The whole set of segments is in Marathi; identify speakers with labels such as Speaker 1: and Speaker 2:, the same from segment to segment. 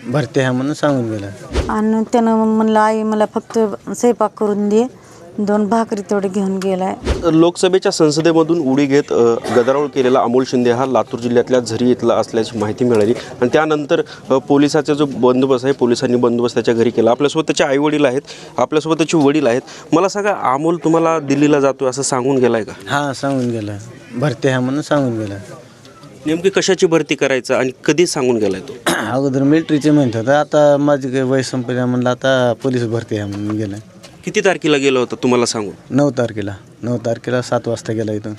Speaker 1: भरती आहे म्हणून सांगून गेला.
Speaker 2: आणि त्यानं म्हणलं आई मला फक्त स्वयंपाक करून दे, 2 भाकरी तेवढे घेऊन गेलाय.
Speaker 3: लोकसभेच्या संसदेमधून उडी घेत गदारोळ केलेला अमोल शिंदे हा लातूर जिल्ह्यातल्या झरी इथला असल्याची माहिती मिळाली आणि त्यानंतर पोलिसाचा जो बंदोबस्त आहे, पोलिसांनी बंदोबस्त त्याच्या घरी केला. आपल्यासोबत त्याचे आईवडील आहेत, आपल्यासोबत त्याचे वडील आहेत. मला सांगा, अमोल तुम्हाला दिल्लीला जातोय असं सांगून गेलाय का?
Speaker 1: हां, सांगून गेला. भरती आहे म्हणून सांगून गेला.
Speaker 3: नेमकी कशाची भरती करायचं आणि कधी सांगून गेलाय तो?
Speaker 1: अगोदर मिलिटरीचे म्हणत होतं, आता माझी काही वय संपल्या म्हणलं आता पोलीस भरती आहे म्हणून गेला.
Speaker 3: किती तारखेला गेला होता तुम्हाला सांगून?
Speaker 1: 9 तारखेला 7 वाजता गेला इथून.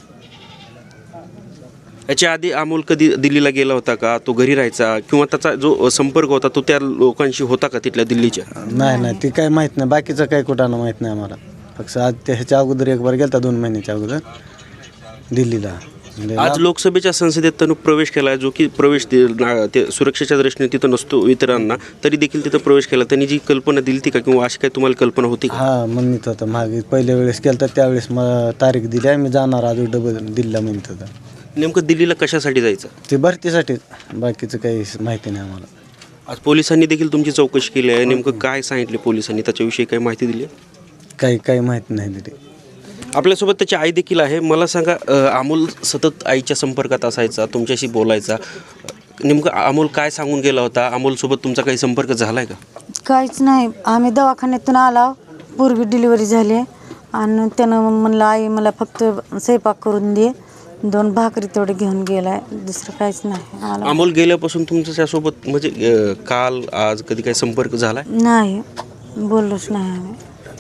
Speaker 3: याच्या आधी अमोल कधी दिल्लीला गेला होता का? तो घरी राहायचा किंवा त्याचा जो संपर्क होता तो त्या लोकांशी होता का तिथल्या दिल्लीच्या?
Speaker 1: नाही, ते काय माहीत नाही. बाकीचं काही कुठं माहीत नाही आम्हाला. फक्त आज ह्याच्या अगोदर एक बार गेला 2 महिन्याच्या अगोदर दिल्लीला.
Speaker 3: आज लोकसभेच्या संसदेत त्यानं प्रवेश केला, जो की प्रवेश ते सुरक्षेच्या दृष्टीने तिथं नसतो इतरांना, तरी देखील तिथं प्रवेश केला. त्यांनी जी कल्पना दिली ती का, किंवा अशी काही तुम्हाला कल्पना होती का?
Speaker 1: हां, म्हणत होतं मागे पहिल्या वेळेस केलं तर त्यावेळेस मला तारीख दिली आहे, मी जाणार आज डबल दिल्लीला म्हणत होतं.
Speaker 3: नेमकं दिल्लीला कशासाठी जायचं?
Speaker 1: ते भरतीसाठीच, बाकीचं काही माहिती नाही आम्हाला.
Speaker 3: आज पोलिसांनी देखील तुमची चौकशी केली आहे. नेमकं काय सांगितले पोलिसांनी, त्याच्याविषयी काही माहिती दिली आहे?
Speaker 1: काही माहिती नाही दिली.
Speaker 3: आपल्यासोबत त्याची आई देखील आहे. मला सांगा, अमोल सतत आईच्या संपर्कात असायचा, तुमच्याशी बोलायचा. नेमकं अमोल काय सांगून गेला होता? अमोलसोबत तुमचा काही संपर्क झाला आहे का?
Speaker 2: काहीच नाही. आम्ही दवाखान्यातून आला, पूर्वी डिलिव्हरी झाली आणि त्यानं म्हणलं आई मला फक्त स्वयंपाक करून दे, 2 भाकरी तेवढे घेऊन गेलाय. दुसरं काहीच नाही आम्हाला.
Speaker 3: अमोल गेल्यापासून तुमच्यासोबत म्हणजे काल आज कधी काही संपर्क झाला?
Speaker 2: नाही, बोललोच नाही आम्ही.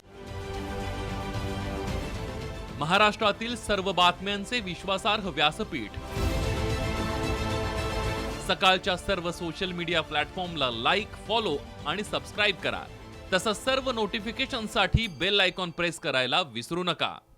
Speaker 4: महाराष्ट्रातील सर्व बातम्यांचे विश्वासार्ह व्यासपीठ, सकाळच्या सर्व सोशल मीडिया प्लॅटफॉर्मला लाईक, फॉलो आणि सबस्क्राईब करा. तसंच सर्व नोटिफिकेशनसाठी बेल आयकॉन प्रेस करायला विसरू नका.